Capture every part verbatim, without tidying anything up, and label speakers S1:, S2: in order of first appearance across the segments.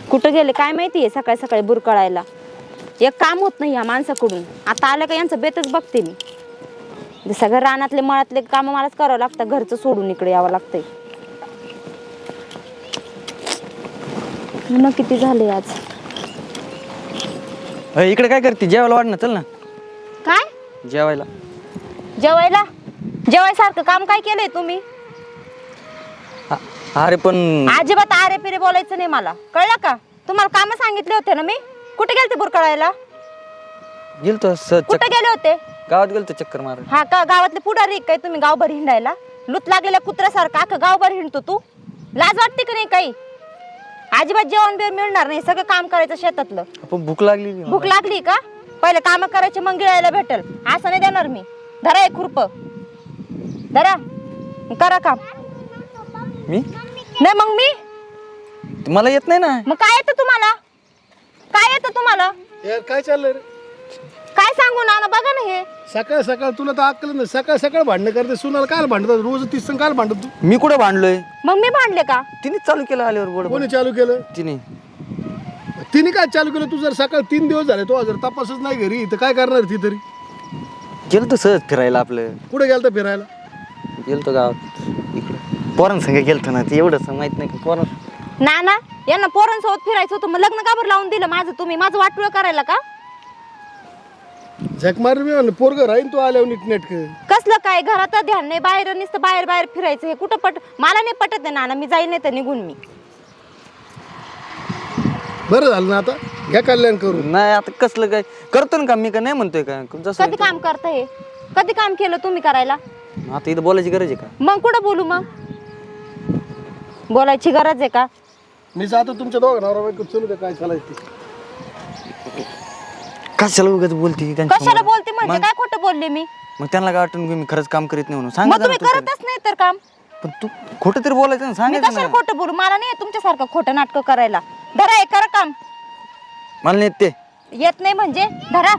S1: कुठं गेले काय माहितीये सकाळी सकाळी बुरकळायला. एक काम होत नाही या माणसाकडून. आता आलं का यांचं बेतच बघते मी. सगळं रानातले मळातले काम मलाच करावं लागतं. घरचं सोडून इकडे यावं लागतंय. न किती झाले आज.
S2: इकडे काय करते? जेवायला वाढ ना, चल ना.
S1: काय
S2: जेवायला?
S1: जेवायला जेवायसारखं काम काय केलंय तुम्ही?
S2: अरे पण
S1: अजिबात आरे पिरे बोलायचं नाही मला, कळलं का? तुम्हाला काम सांगितले होते ना मी. कुठे गेलते बुरकळायला?
S2: गेलतो
S1: कुठे गेले होते?
S2: गावात गेलतो चक्कर मार.
S1: हा का? गावातले पुढारी काय तुम्ही गावभर हिंडायला? लूत लागलेल्या कुत्र्यासारखं अख्खं गावभर हिंडतो तू. लाज वाटते की नाही काही? अजिबात जेवण बिवण मिळणार नाही. सगळं काम करायचं शेतातलं.
S2: पण भूक लागली.
S1: भूक लागली का? पहिले काम करायचे मग गिळायला भेटल. असं नाही देणार मी. धरा एक खुरप, धरा, करा काम.
S2: मी
S1: नाही मग मी
S2: मला येत नाही ना.
S1: मग काय येतं तुम्हाला? काय येतं तुम्हाला?
S3: यार काय चाललंय रे?
S1: काय सांगू ना, बघा ना हे.
S3: सकाळ सकाळ तुला तर अक्कल नाही. सकाळ सकाळ भांडणं करते. सुनाला काल भांडतात रोज तीस जण काल भांडत तू?
S2: मी कुठे भांडलोय?
S1: मग मी भांडले का?
S2: तिने चालू केलं आल्यावर बोल.
S3: कोणी चालू केलं?
S2: तिने.
S3: तिने काय चालू केलं? तू जर सकाळ तीन दिवस झाले तो जर तपासच नाही घरी तर काय करणार ती तरी?
S2: गेलतो सहज फिरायला. आपलं
S3: कुठे गेलता फिरायला?
S2: गेलतो गावात इकडे पोरांसंग गेलतो ना. ते एवढंच माहित नाही का पोरां.
S1: ना ना यांना पोरांसोबत फिरायचं होतं. मग लग्न का बरं लावून दिलं माझं तुम्ही? माझं वाटोळ करायला का?
S3: झक मार मी म्हणलं पोरग राहीन तू आल्यावर नीट नेटक.
S1: कसलं काय? घरात ध्यान नाही, बाहेर नुसतं बाहेर बाहेर फिरायचं. हे कुठं पट मला नाही पटत आहे नाना. मी जाईल नाही तर निघून मी.
S3: बरं झालं ना आता घ्या कल्याण करून.
S2: नाही आता कसलं काय करतो ना काम मी. का नाही म्हणतोय का? जसं
S1: कधी काम करता हे? कधी काम केलं तुम्ही करायला?
S2: आता इथं बोलायची गरज आहे का?
S1: मग कुठं बोलू? मग बोलायची गरज आहे का?
S3: मी जातो तुमच्या दोघं नवरा बायको चलू दे काय चालायचं ते.
S2: कशाला उगाच बोलती?
S1: कशाला बोलते म्हणजे काय खोटं बोलले मी?
S2: मग त्यांना काय वाटून मी खरंच काम करीत नाही म्हणून सांग.
S1: मग तुम्ही करतच नाही तर काम.
S2: पण तू खोटं तरी बोलायचं ना,
S1: मी
S2: सांगायचं
S1: कशाला
S2: ना.
S1: खोटं बोलू? मला नाही तुमच्यासारखं खोटं नाटक करायला. धरा हे, करा काम.
S2: मला नाही ते
S1: येत नाही म्हणजे धरा.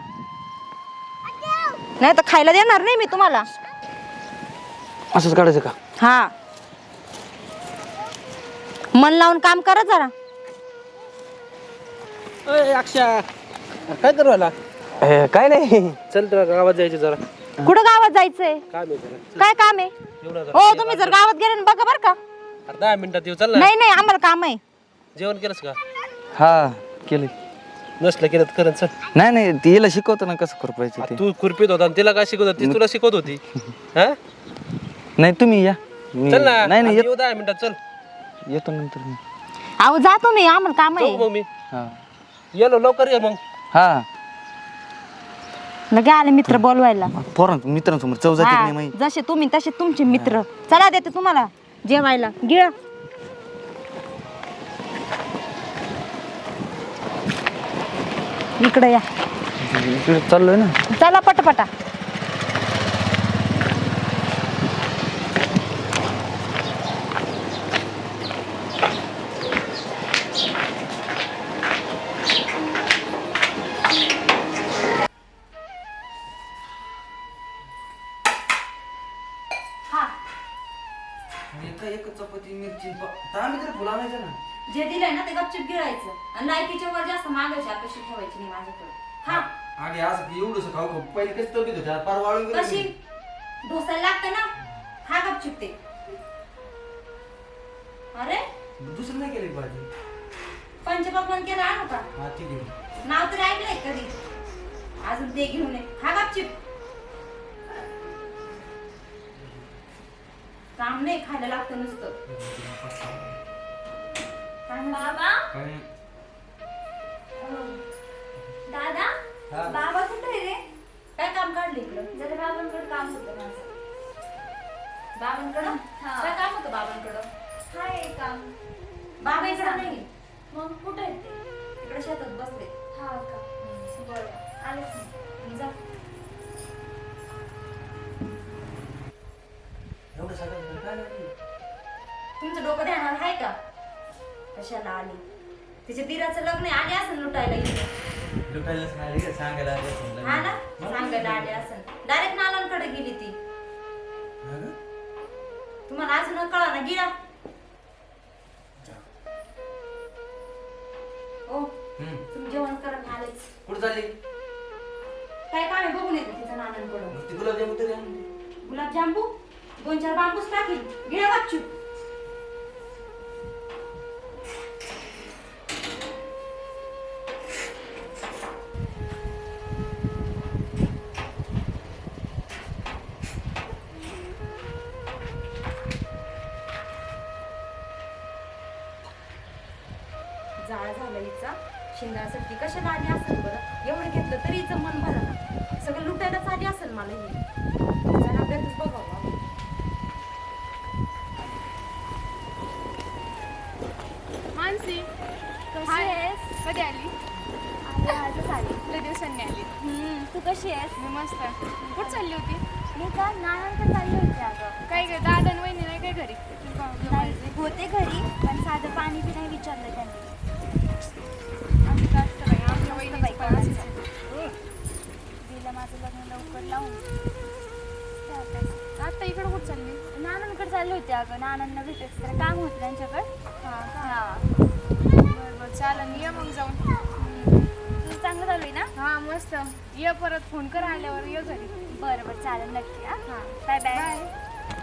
S1: नाही तर खायला देणार नाही मी तुम्हाला.
S2: असंच काढायचं का?
S1: हा, मन लावून काम करा जरा.
S4: अक्षय काय करू आला?
S2: ए, काय नाही.
S4: चल तुला गावात जायचं जरा.
S1: कुठं गावात जायचंय?
S4: काम आहे जरा.
S1: काय काम आहे?
S4: एवढं जरा.
S1: हो तुम्ही जर गावात गेले ना बघा बरं का.
S4: अरे दहा मिनिटात येऊ. चल ना.
S1: नाही नाही आम्हाला काम आहे.
S4: जेवण केलंस का?
S2: हा केलं.
S4: नसलं केलं तर करत. चल.
S2: नाही नाही तिला शिकवतो ना कसं खुरपायचं ते.
S4: तू खुरपीत होता आणि तिला काय शिकवत होती? तुला शिकवत होती. हा
S2: नाही तुम्ही या. मी-
S4: चल ना.
S2: नाही नाही
S4: आता येऊ दहा मिनिटात. चल
S2: येत- येतो नंतर मी.
S1: अहो जा तुम्ही, आम्हाला काम
S4: जाऊ
S1: आहे.
S4: मग मी.
S2: हा
S4: येलो लवकर ये मग.
S2: हा
S1: लगे आले मित्र बोलवायला.
S2: पोरां मित्रांसमोर चव जाते की
S1: हा,
S2: नाही माहिती.
S1: जसे तुम्ही तसे तुमचे मित्र. चला देते तुम्हाला जेवायला. गिळा. इकडे या.
S2: इकडे चाललोय ना.
S1: चला पटापटा.
S2: चपाती मिरची फुला ना.
S1: जे दिलंय ना ते गपचिप गिळायचं आणि लायकीच्या वर जास्त मागायची अपेक्षा ठेवायची नाही माझ्याकडे. हा
S2: आणि असं एवढंच खाऊ खाऊ पहिले कसं तब्येत होत्या पार वाळून गेली.
S1: कशी ढोसायला लागतं ना. खा गपचिप ते. अरे
S2: दुसरं नाही केली भाजी.
S1: पंचपक्वान केलं आणू का?
S2: हा ठीक आहे.
S1: नाव तरी ऐकलंय कधी? अजून ते घेऊन ये. खा गपचिप. काम नाही, खायला लागतं नुसतं.
S5: बाबा दादा बाबा कुठे आहे रे?
S1: काय काम काढलं इकडं?
S5: जरा बाबांकडे काम होतं माझं.
S1: बाबांकडं?
S5: हा.
S1: काय काम होतं बाबांकडं?
S5: काय काम?
S1: बाबा इकडं नाही,
S5: मग कुठे आहेत ते?
S1: इकडे शेतात बसले.
S5: हा का? बरं आलेच नाही.
S1: जा.
S2: एवढं सगळं काय नाही.
S1: तुमचं डोकं ध्यानावर आहे का? कशाला आली? तिच्या दिराचं लग्न आहे, आले असं लुटायला इथे.
S2: लुटायला सांगायला सांगायला
S1: हा ना, सांगायला आले असं. डायरेक्ट नालांकडे गेली ती. तुम्हाला अजून कळा ना. गिळा. तुम्ही जेवण करा मी आलेच.
S2: कुठं चालली
S1: काय काम आहे बघून येते तिचं नानांकडून.
S2: ती गुलाबजामुन तरी आण.
S1: गुलाबजांबू दोन चार बांबूस टाकील गिळा वाचू. जाळ झालं हिचा शिंगासाठी कशाला आली असेल बरं. एवढं घेतलं तरी हिचं मन भरलं ना. सगळं लुटायलाच आली असेल मला ही. जरा बेतच बघावं.
S6: मानसी
S5: कशी
S6: हाय.
S5: आहेस?
S6: कधी आली?
S5: आली आजच आली.
S6: लय दिवसांनी आली.
S5: हम्म, तू कशी आहेस?
S6: मी मस्त. कुठं चालली होती?
S5: मी का नानांकडे चालली होती अगं.
S6: काय ग दादा आणि वहिनी नाही काय घरी?
S5: नाही होते घरी पण साधं पाणी बी नाही विचारलं त्यांनी.
S6: आमचं असतं बाई, आमच्या वहिनीचं
S5: बाई
S6: पण असंच.
S5: दिलं माझं लग्न लवकर लावून. ते आता
S6: आता इकडं कुठं चालली?
S5: नानांकडे चालली होती अगं. नानांना भेटायचं जरा काम होतं त्यांच्याकडे.
S6: हां का?
S5: हा
S6: बरं बरं चालेल ये मग जाऊन.
S5: तुझं चांगलं चालू आहे ना?
S6: हां मस्त. ये परत फोन कर आल्यावर ये घरी.
S5: बरं बरं चालेल नक्की. हा
S6: हां
S5: बाय बाय.
S6: बाय.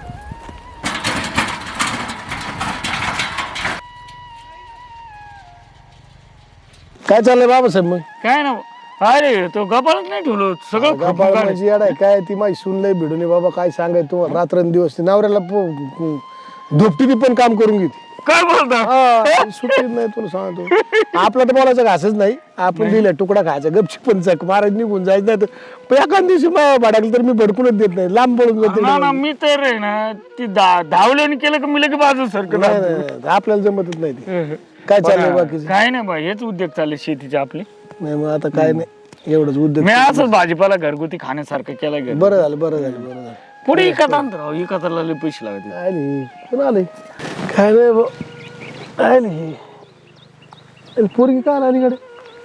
S3: काय चाललंय बाबासाहेब मग?
S7: काय ना अरे तो गपाळच नाही ठेवलो सगळं
S3: गाबाळ
S7: खरपून काढलं.
S3: म्हणजे येडाय काय ती माझी सून लय भिडून आहे बाबा. काय सांगाय तुम्हाला रात्रंदिवस ती नवऱ्याला धोपटी पण काम करून घेते.
S7: काय बोलता
S3: हा, सुट्टीच नाही तुला सांगतो. आपला तर बोलायचं घासच नाही. आपण दिला तुकडा खायचा गपची पण चक महाराज निघून जायचं नाही तर एखाद दिवशी भडकलं तर मी भडकूनच देत नाही. लांब पळून जाते.
S7: ना ना मी तर आहे ना ती धा- धावल्याने केलं की मी लगे बाजू सारखं
S3: नाही नाही, आपल्याला जमतच नाही ते. काय चाललंय बाकीचं?
S7: काय नाही बा हेच उद्योग चालले शेतीचे आपले.
S3: नाही मग आता काय नाही एवढंच उद्योग.
S7: मी असंच भाजीपाला घरगुती खाण्यासारखं केलं घरी.
S3: बरं झालं बरं झालं बरं झालं.
S7: पुढे इकत आणतो इकताला लय पैसे लागते.
S3: काय नाही कोण आलंय काय नाही भाऊ. काय नाही आणि पोरगी काय आली कडे?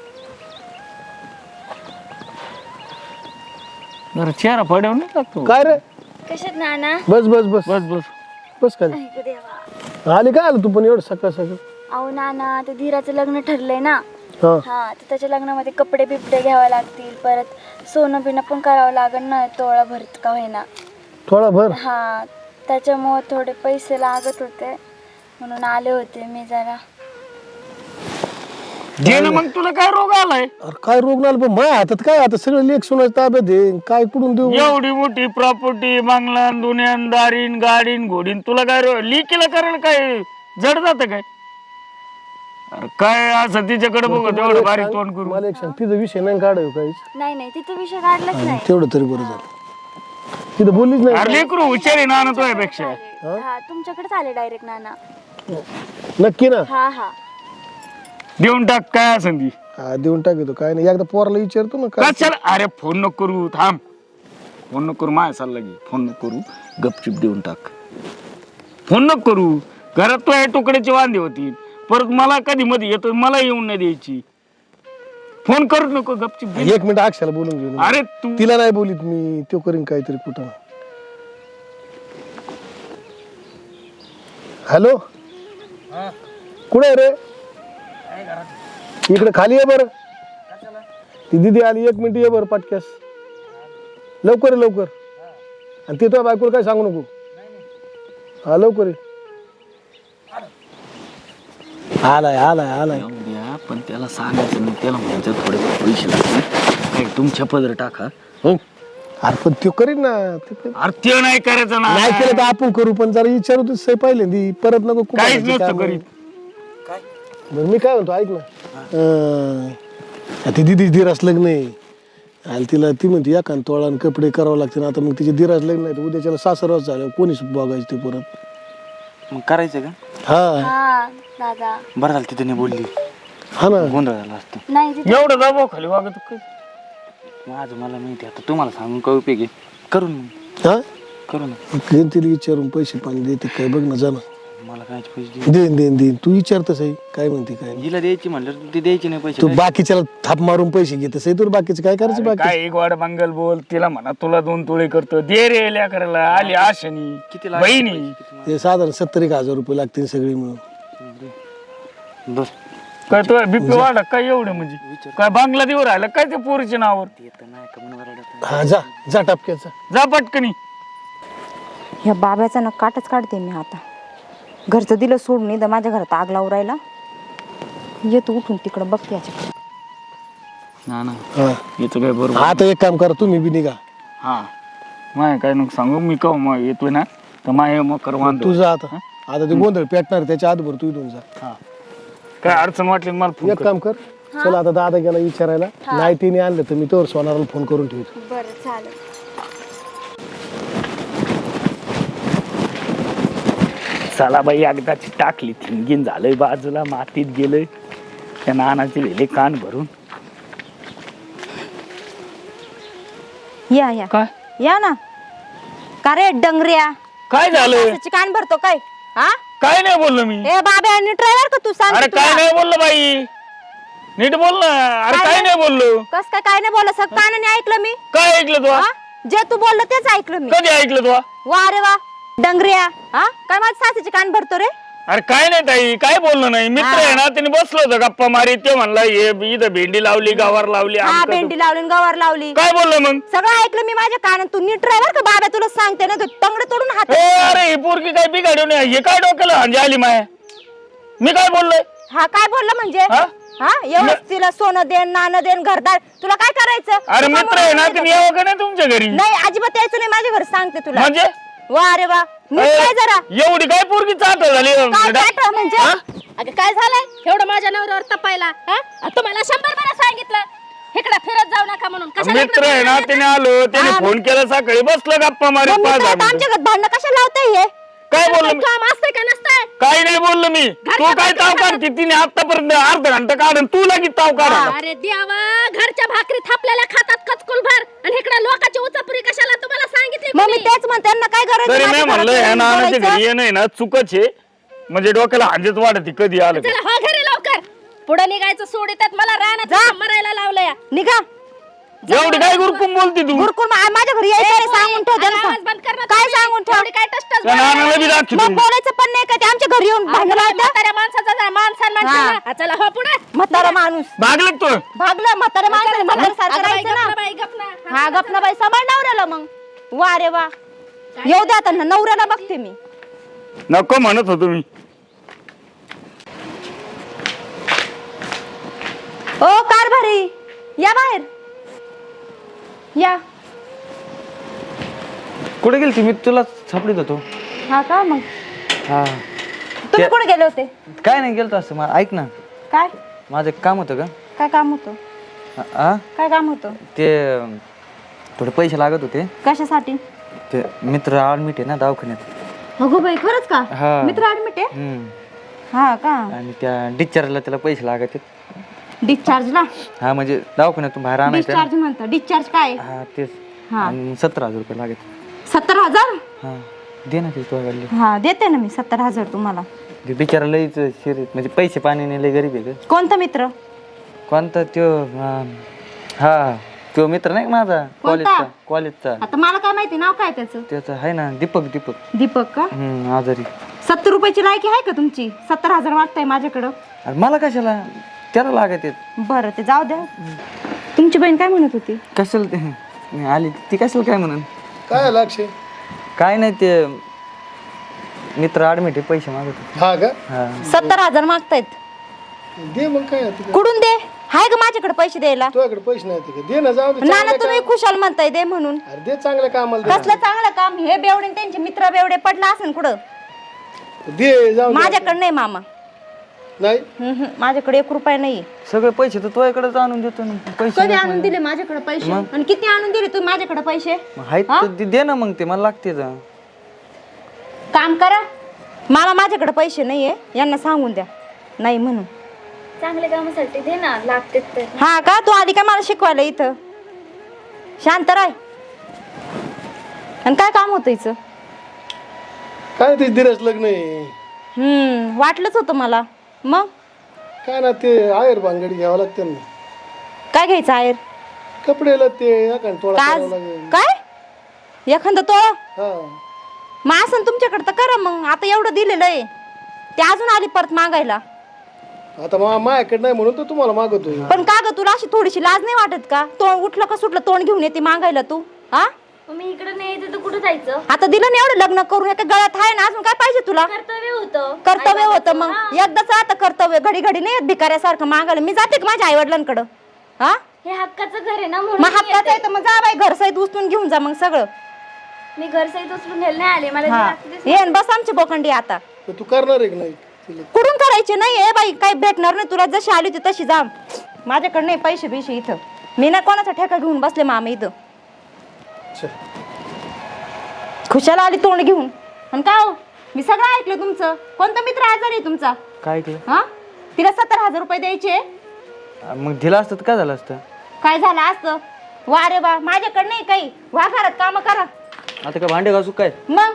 S7: जरा चेहरा पडवून नाही लागतो.
S3: काय रे?
S5: कशात नाना?
S3: बस बस बस
S7: बस बस
S3: बस खाली.
S5: ऐक देवा.
S3: आली काय आलं तू पण एवढं सकाळ सकाळ?
S5: अहो नाना ते धीराचं लग्न ठरलंय ना.
S3: हा
S5: हा तर त्याच्या लग्नामध्ये कपडे बिपडे घ्यावे लागतील. परत सोनं बिनं पण करावं लागेल ना. तोळा भरत का होईना.
S3: थोडा भर.
S5: हा त्याच्यामुळे थोडे पैसे लागत होते म्हणून आले होते मी जरा.
S7: जे ना मग तुला काय रोग आलाय?
S3: अरे काय रोग नाही पण माझ्या हातात काय आता सगळं लेख सुनाच ताब्यात आहे. काय कुठून देऊ?
S7: एवढी मोठी प्रॉपर्टी बांगला दुनियान दारीन गाडीन घोडीन तुला काय रो- लिकीला करायला काय जड जात काय? अरे काय असं तिच्याकडे बघत एवढं बारीक तोंड करू.
S3: मला एक सांग तिचा विषय नाही काढाय काहीच.
S5: नाही नाही तिचा विषय काढलाच नाही.
S3: तेवढं तरी बरं झालं. तिथं बोललीच नाही.
S7: अरे लेकरू हुशार आहे ना तुझ्यापेक्षा.
S5: हा तुमच्याकडेच आले डायरेक्ट नाना.
S3: नक्की ना?
S5: हा हा
S7: देऊन टाक काय असं ती.
S3: हा देऊन टाकतो काय नाही. एकदा पोराला विचारतो ना काय.
S7: कशाला अरे फोन नको करू थांब. फोन नको करू माझ्या सल्ला घे. फोन नको करू गपचिप देऊन टाक. फोन नको करू. घरात तो तुकड्याची वांदे होती परत मला कधी मध्ये येतो मला येऊन नाही द्यायची. फोन करू नको गपचिप दे.
S3: एक मिनिट अक्षाला बोलून घेऊ.
S7: अरे तू
S3: तिला नाही बोलीत मी. तो करीन काहीतरी कुठं. हॅलो कुठे रे? इकडे खाली ये बरं. ती दिदी आली एक मिनिट ये बरं पटक्यास. लवकर ये लवकर. आणि ते तुझ्या बायकोला काय सांगू नको. हा लवकर ये. आलाय आलाय आलाय.
S2: द्या पण त्याला सांगायचं नाही. त्याला म्हणायचं थोडे पैसे लागतील काय तुमच्या पदर टाका. हो
S3: अरे पण तो करीन ना. ते करीन.
S7: अरे ते नाही करायचं ना.
S3: नाही केलं तर आपण करू पण जरा विचारू तू सही पहिल्यांदी परत नको खूप
S7: काहीच
S3: करायची
S7: नसतं
S3: कामं.
S7: करीत.
S3: बरं मी काय म्हणतो ऐक ना. अं, ती दिदी धीरास लग्न आहे. आणि तिला ती म्हणते एका तोळा आणि कपडे करावं लागते ना. आता मग तिचे धीरास लग्न नाही तर उद्याच्याला सासरवास झालं कोणीच बघायचं ते परत.
S2: मग करायचं का?
S3: हा
S5: हा दादा.
S2: बरं झालं तिथे नाही बोलली.
S3: हा ना.
S2: गोंधळ झाला असतं.
S5: नाही तिथे
S7: एवढं दबाव खाली वागत काय?
S2: माझं मला माहिती आता तुम्हाला सांगून काय उपयोग आहे. करून
S3: हा
S2: करू ना.
S3: घेऊन तिला विचारून पैसे पाणी देते काय बघ ना जा ना.
S2: मला काय पैसे दे.
S3: देईन देईन देईन तू विचारतस आहे काय म्हणते काय नाही.
S2: हिला द्यायची म्हणलं ती द्यायची नाही पैसे.
S3: तू बाकीच्याला थाप मारून पैसे घेतस आहे. तुला बाकीचं काय करायचं बाकी.
S7: काय एक वाड मंगल बोल तिला म्हणा तुला दोन तुळे करतो दे रे लेकराला आली आशनी
S2: किती लागले
S7: बहिणी.
S2: पैसे? किती
S3: ते साधारण सत्तर एक हजार रुपये लागतील सगळे मिळून.
S2: बर
S7: काय तो बीपी वाढा काय एवढं म्हणजे काय बांगला देऊ राहिला काय ते पोरीच्या नावावर
S3: हा जा जा टपक्याचा
S7: जा पटकनी.
S1: ह्या बाब्याचा ना काटच काढते मी आता. घरचं दिलं सोडून इथं माझ्या घरात आग लावून राहिला. येतो उठून तिकडं बघते याच्याकडे.
S7: ना ना
S3: हा
S7: येतो काय बरोबर.
S3: आता एक काम करा तुम्ही बी निघा.
S7: हा माय काय नको सांगू मी का मग येतोय ना तर माय मग कर वांदो.
S3: तू जा आता आता ते गोंधळ पेटणार त्याच्या आधीभर तू इथून जा.
S7: हा काय अडचण वाटली तर मला फोन
S3: एक
S7: कर.
S3: काम कर चला आता दादा गेला विचारायला नाही तिने आणलं तर मी तोवर सोनाराला फोन करून ठेवतो.
S5: बरं चालेल.
S7: चला बाई एकदाची टाकली थिंगीन झालंय बाजूला मातीत गेलंय त्या नानाचे लिहिले कान भरून.
S1: या या
S7: काय
S1: या ना. का रे डंगऱ्या
S7: काय झालं
S1: सासूची कान भरतो काय? हा
S7: काय नाही बोललो मी.
S1: ए बाब्या ड्रायव्हर का तू सांग
S7: अरे काय नाही बोललो बाई नीट बोल ना. अरे
S1: काय
S7: काय
S1: नाही?
S7: नाही बोललो.
S1: कस काय काय नाही बोललं सग कानाने ऐकलं मी.
S7: काय ऐकलं तू
S1: हा? जे तू बोललं तेच ऐकलं मी.
S7: कधी ऐकलं तू
S1: वा रे वा डंगऱ्या हा काय माझ्या सासूची कान भरतो रे.
S7: अरे काय नाही ताई काय बोललो नाही मित्र आहे ना त्याने बसलो होतं गप्पा मारी ते म्हणला हे इथं भेंडी लावली गवार लावली
S1: हा
S7: आमकं
S1: भेंडी लावली आणि गवार लावली
S7: काय बोललो मग.
S1: सगळं ऐकलं मी माझ्या कानात. तू नीट ड्रायव्हर का बाब्या तुला सांगते ना तू तंगड तोडून हात.
S7: ए, अरे ही पोरगी काय बिघाडू नये हे काय डोक्याला हांजी आली माय. मी काय बोललोय
S1: हा काय बोललं म्हणजे
S7: हा?
S1: हा एवढं तिला सोनं देन नाणं देन घरदार तुला काय करायचं.
S7: अरे
S1: तू
S7: मित्र
S1: काय
S7: आहे ना
S1: म्हणून
S7: तुम्ही
S1: येतो
S7: यावं का नाही तुमच्या घरी
S1: का? नाही अजिबात यायचं नाही माझ्या घरी सांगते तुला.
S7: म्हणजे
S1: वा रे वा नीट
S7: ए,
S1: काय जरा
S7: एवढी काय पोरगी चाट झाली
S1: काय काय म्हणजे
S7: हा?
S6: अगं काय झालंय एवढं माझ्या नवऱ्यावर तपायला हा? तुम्हाला शंभर वेळा सांगितलं इकडे फिरत जाऊ नका म्हणून. कशाला
S7: मित्र
S6: इकडं
S7: आहे ना
S6: फिरत
S7: त्याने आलो त्याने फोन केला सकाळी बसलं गप्पा मारी
S1: मग
S7: पाच
S1: मित्र
S7: दहा
S1: आता
S7: मिनिटं.
S1: आमच्या घरात भांडणं कशा लावताय हे.
S7: काय
S6: येता?
S7: बोललो मी
S6: काम असतंय का नसतंय?
S7: काही नाही बोललो मी तू काय ताव काढती तिने आतापर्यंत अर्धा घंटा काढून तू लगेच ताव काढा.
S6: अरे देवा घरच्या भाकरी थापलेल्या खातात कचकुल भर आणि इकडे लोकांची उचापुरी कशाला तुम्हाला सांगितली
S1: मग मी
S6: कोणी?
S1: तेच म्हणते त्यांना काय गरज
S7: तरी
S1: आहे
S7: मी
S1: माझ्या
S7: म्हणलं
S1: घरात
S7: ह्या
S1: येऊन
S7: नानाच्या
S1: बोलायचं?
S7: घरी येणं आहे ना चुकच आहे म्हणजे डोक्याला हांजेच वाढते कधी आलं का.
S6: चला हो घरी लवकर पुढे निघायचं सोडितात मला रानात मरायला लावलंय.
S1: निघा
S7: एवढी काय गुरकुम बोलती तू
S1: गुरकुर मा- माझ्या घरी यायचं नाही सांगून ठेव त्यांना.
S6: आवाज बंद कर ना
S1: काय
S6: तुम्ही.
S1: सांगून ठेव
S6: एवढी काय टस्टच
S7: त्या नानाला बी दाखव
S1: मग
S7: तू.
S1: बोलायचं पण नाही का ते आमच्या घरी येऊन भांडण लावतात.
S6: म्हाताऱ्या माणसाचा जा, मान सन्मान
S1: हा.
S6: ठेवा. चला हो पुढे
S1: म्हातारा माणूस
S7: भागलं का तू
S1: भागलं म्हातारा माणसाने म्हातारा सारखं
S6: अगं बाई,
S1: राहायचं
S6: गप ना
S1: ना.
S6: बाई, गप ना.
S1: हा गप ना बाई सांभाळ नवऱ्याला मग. वा रे वा येऊ द्या आता नवऱ्याला बघते मी.
S7: नको म्हणत होतो मी.
S1: ओ कारभारी या बाहेर या.
S8: कुठे गेली मी तुला सापडीत होतो.
S1: हा का मग
S8: हा
S1: तुम्ही कुठे गेले होते.
S8: काय नाही गेलतो असं मा- ऐक ना
S1: काय
S8: माझं एक काम होतं का
S1: काय काम होतं.
S8: आ- आ
S1: काय काम होतं.
S8: ते अं, थोडे पैसे लागत होते.
S1: कशासाठी.
S8: ते मित्र ऍडमिट आहे ना दवाखान्यात.
S1: अगो बाई खरंच का.
S8: हा.
S1: मित्र ऍडमिट आहे.
S8: हम्म.
S1: हा का.
S8: आणि त्या डिस्चार्जला त्याला पैसे लागत आहेत.
S1: डिस्चार्जला.
S8: हा म्हणजे दवाखान्यातून बाहेर आणायचं
S1: डिस्चार्ज म्हणतो. डिस्चार्ज काय.
S8: ना. हा तेच
S1: हा.
S8: आणि सतरा हजार रुपये लागत.
S1: सत्तर हजार.
S8: हा दे ना ते तुझ्या गाडीला.
S1: हा देते ना मी सत्तर हजार तुम्हाला.
S8: ते बिचारा लईच शरीर म्हणजे पैसे पाणी लई गरीब आहे ग.
S1: कोणता मित्र.
S8: कोणता त्यो अं, हा तो मित्र नाही का माझा कॉलेजचा कॉलेजचा.
S1: आता मला काय माहिती नाव काय त्याचं.
S8: त्याचं आहे ना दीपक दीपक
S1: दीपक का.
S8: हम्म आजारी.
S1: सत्तर रुपयाची लायकी आहे का तुमची. सत्तर हजार वाटतंय माझ्याकडं.
S8: अरे मला कशाला त्याला लागत आहेत.
S1: बरं ते जाऊ द्या. तुमची बहीण काय म्हणत होती.
S8: कशाला ते नाही आली ती कशाला काय म्हणून.
S3: काय लक्ष
S8: काय नाही ते मित्र ऍडमिट आहे पैसे मागत होते.
S3: हा का
S8: हा
S1: सत्तर हजार मागतायत.
S3: दे मग काय आता काय.
S1: कुठून दे. हाय का माझ्याकडे पैसे द्यायला.
S3: तुझ्याकडे पैसे नाही ते का? दे ना जाऊ दे
S1: ना ना
S3: चांगल्या
S1: तुम्ही खुशाल म्हणताय दे म्हणून.
S3: काम- अरे दे चांगल्या कामाला दे
S1: कसलं चांगलं काम. हे बेवडे आणि त्यांचे मित्र बेवडे पडला असेल कुठं.
S3: ना. दे जाऊ दे.
S1: माझ्याकडे नाही मामा.
S3: नाही
S1: हम्म, हम्म. माझ्याकडे एक रुपया नाही.
S8: सगळे पैसे तर तुझ्याकडेच आणून देतो ना पैसे
S1: कधी आणून दिले माझ्याकडे पैसे. आणि किती आणून दिले तुम्ही माझ्याकडे पैसे.
S8: मग आहेत तर दे- दे ना मग ते मला लागते जा.
S1: काम करा. मला माझ्याकडे पैसे नाहीये यांना सांगून द्या नाही म्हणून.
S5: चांगल्या कामासाठी दे ना लागते तर.
S1: हा का तू आली का मला शिकवायला इथं. शांत राय. आणि काय काम होतं हिचं.
S3: काय ते दिरस लग्न आहे.
S1: हम्म वाटलंच होतं मला. मग
S3: काय ना ते आयर भांगडी घ्यावं लागते ना.
S1: काय घ्यायचं आहेर.
S3: कपडेला ते एखाद तोळा
S1: काय
S3: करावं लागेल.
S1: काय एखादं तोळा.
S3: हा
S1: मग असं तुमच्याकडे तर करा मग. आता एवढं दिलेलं आहे ते अजून आली परत मागायला.
S3: आता मा माझ्याकडे नाही म्हणून तर तुम्हाला मागवतोय.
S1: पण का ग तुला अशी थोडीशी लाज नाही वाटत का? तोंड उठलं का सुटलं तोंड घेऊन येते मागायला तू. हा
S5: मग मी इकडे नाही येते तर कुठं जायचं?
S1: आता दिलं ना एवढं लग्न करून एका गळ्यात आहे ना, अजून काय पाहिजे तुला?
S5: कर्तव्य होतं.
S1: कर्तव्य होतं मग एकदाच. आता कर्तव्य घडी घडी नाही येत भिकाऱ्यासारखं मागायला. मी जाते का माझ्या आई वडिलांकडं? हा
S5: हे हक्काचं घर आहे ना म्हणून
S1: मग
S5: मी
S1: हक्काचं आहे
S5: येते.
S1: तर मग जा बाई घर सहित उचलून घेऊन जा मग सगळं.
S5: मी घर सहित उचलून घ्यायला नाही आले. मला जे
S1: हा
S5: लागतं ते
S1: ये न बस आमची बोकंडी आता.
S3: तर तू करणार आहे की नाही तिला?
S1: कुठून करायचे नाही ए बाई, काही भेटणार नाही तुला. जशी आली होती तशी जा. माझ्याकडे नाही पैसे बिशे इथं. मी ना कोणाचा ठेका घेऊन बसले मामा इथं.
S3: चल.
S1: खुशाला आली तोंड घेऊन. आणि काय हो, मी सगळं ऐकलं तुमचं. कोणता मित्र आजारी आहे तुमचा?
S8: काय ऐकलं?
S1: हा तिला सत्तर हजार रुपये द्यायचे.
S8: मग दिलं असतं तर काय झालं असतं?
S1: काय झालं असतं? वा रे वा, माझ्याकडे नाही काही. वा घरात काम करा
S8: आता काय भांडे घासू काय?
S1: मग.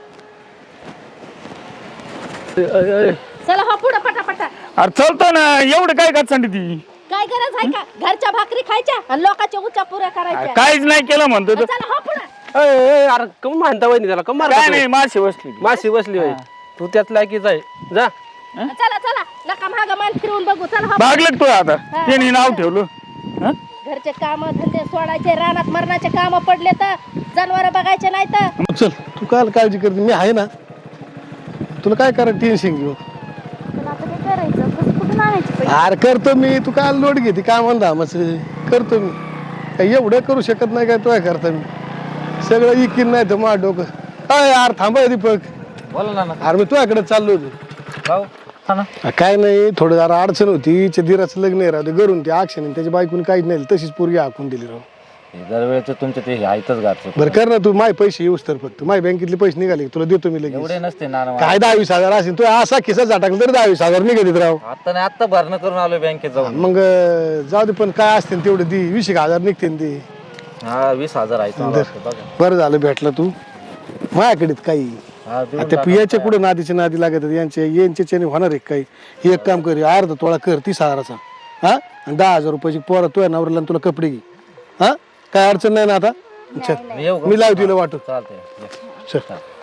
S6: चला हो पुढं पटापटा.
S7: अरे चालतो ना, एवढं काय का सांगते ती?
S6: काय गरज आहे का घरच्या भाकरी खायच्या आणि लोकांच्या उच्चा पुऱ्या
S7: अरे
S6: करायच्या?
S7: काहीच नाही केलं म्हणतो तर.
S6: चला हो पुढं.
S4: अय, अय, अरे कम मानता वहिनी त्याला कम
S7: काय
S4: मारता
S7: नाही, माशी बसली ती.
S4: माशी बसली होय. तू त्यात लायकीच आहे. जा.
S6: चला चला नका मागा मान फिरवून बघू. चला हो.
S7: भागलं तू आता, त्यांनी नाव ठेवलं. हं?
S6: घरचे काम धंदे सोडायचे, रानात मरणाचे काम पडले तर जनावर बघायचे नाही तर.
S3: मग चल, तू काय काळजी करते? मी आहे ना. तुला काय करायचं टेन्शन घेऊ?
S5: पण आता काय करायचं? कसं कुठून आणायचे पैसे?
S3: अरे करतो मी. तू काय लोट घेते काय म्हणता मग करतो मी. काय एवढं करू शकत नाही काय तुला करता मी? सगळं इकीन नाही तर माझं डोकं. अय यार थांबा दीपक.
S8: बोला ना.
S3: अरे मी तुझ्याकडे चाललो होतो.
S8: भाऊ हा ना.
S3: अ, काय नाही, थोडं जरा अडचण होती. हिच्या दिराचं लग्न आहे राहते घरून. ते अक्षण त्याच्या बायकोने काहीच नाही तशीच पोरगी हाकून दिली राव.
S9: दरवेळेचं तुमचं ते आयतच घातलं.
S3: बरं कर ना तू. माझे पैसे येऊस तर फक्त माझ्या बँकेतले पैसे निघाले की तुला देतो मी लगेच.
S9: एवढे नसते ना
S3: काय दहावीस हजार असेल तू असा खिसा झटाकला तरी दहावीस हजार निघालीत राव.
S9: आता नाही, आता भरणं करून आलो बँकेत जाऊन.
S3: मग अ, जाऊ दे. पण काय असते तेवढे दी वीस एक हजार निघते ते.
S9: हा वीस हजार आहे
S3: तर बरं झालं भेटलं तू माझ्याकडे. काही
S9: हा, देऊन
S3: आता पियाच्या कुठं नादीच्या नादी लागत आहेत. यांचे यांच्याने होणार आहे काही. हे एक काम कर, अर्धा तोळा कर तीस हजाराचा. हा आणि दहा हजार रुपयाची पोरा तुझ्या नवऱ्याला तुला कपडे घे. हा काय अडचण नाही ना आता? चल
S9: मी येऊ का?
S3: मी लावू तिला वाटू.
S9: चालतंय.
S3: चल.